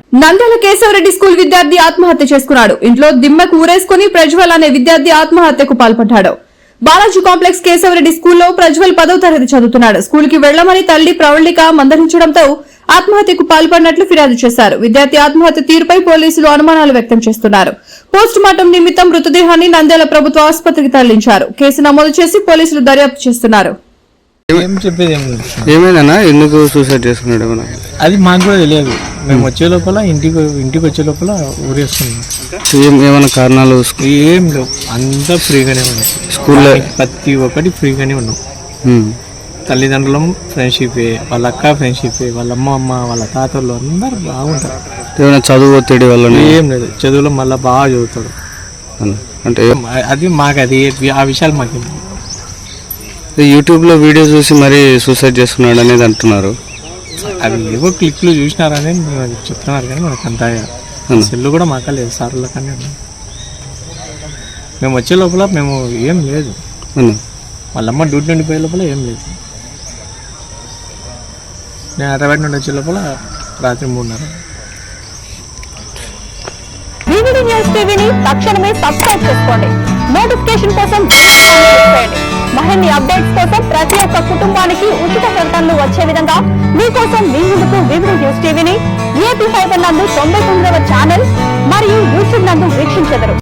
Nandyal Keshavareddy school విద్యార్థి ఆత్మహత్య చేసుకున్నాడు. ఇంట్లో దిమ్మకు ఊరేసుకుని ప్రజ్వల్ అనే విద్యార్థి ఆత్మహత్యకు పాల్పడ్డాడు. బాలాజీ కాంప్లెక్స్ కేశవరెడ్డి స్కూల్లో ప్రజ్వల్ 10వ తరగతి చదువుతున్నాడు. స్కూల్ కి వెళ్లమని తల్లి ప్రవళిక మందలించడంతో ఆత్మహత్యకు పాల్పడినట్లు ఫిర్యాదు చేశారు. విద్యార్థి ఆత్మహత్య తీరుపై పోలీసులు అనుమానాలు వ్యక్తం చేస్తున్నారు. పోస్ట్ మార్టం నిమిత్తం మృతదేహాన్ని నంద్యాల ప్రభుత్వ ఆసుపత్రికి తరలించారు. కేసు నమోదు చేసి పోలీసులు దర్యాప్తు చేస్తున్నారు. ఏమైనా ఎందుకు సూసైడ్ చేసుకున్నాడు అది మాకు కూడా తెలియదు. మేము వచ్చే లోపల ఇంటికి వచ్చే లోపల ఊరేసుకున్నాం. ఏమైనా కారణాలు ఏం లేవు, అంతా ఫ్రీగానే ఉన్నాం. స్కూల్లో ప్రతి ఒక్కటి ఫ్రీగానే ఉన్నాం. తల్లిదండ్రులం ఫ్రెండ్షిప్, వాళ్ళ అక్క ఫ్రెండ్షిప్, వాళ్ళ అమ్మ వాళ్ళ తాతలు అందరు బాగుంటారు. ఏమైనా చదువు ఒత్తిడి వల్ల ఏం లేదు, చదువులో మళ్ళీ బాగా చదువుతాడు. అంటే అది మాకు ఆ విషయాలు మాకు యూట్యూబ్లో వీడియో చూసి మరీ సూసైడ్ చేసుకున్నాడు అనేది అంటున్నారు. అవి ఏవో క్లిప్లు చూసినారని చెప్తున్నారు, కానీ మనకు అంత సెల్లు కూడా మాక లేదు. సార్ల కానీ మేము వచ్చే లోపల మేము ఏం లేదు, వాళ్ళమ్మ డ్యూటీ నుండి పోయే లోపల ఏం లేదు. నేను హైదరాబాద్ నుండి వచ్చే లోపల రాత్రి 3:30. వివిడి న్యూస్ టీవీని తక్షణమే సబ్స్క్రైబ్ చేసుకోండి. నోటిఫికేషన్ కోసం మరిన్ని అప్డేట్స్ కోసం ప్రతి ఒక్క కుటుంబానికి ఉచిత ప్రకటనలు వచ్చే విధంగా మీకోసం మీ ముందుకు వివిడి న్యూస్ టీవీని AP5 నందు 99వ ఛానల్ మరియు యూట్యూబ్ నందు వీక్షించెదరు.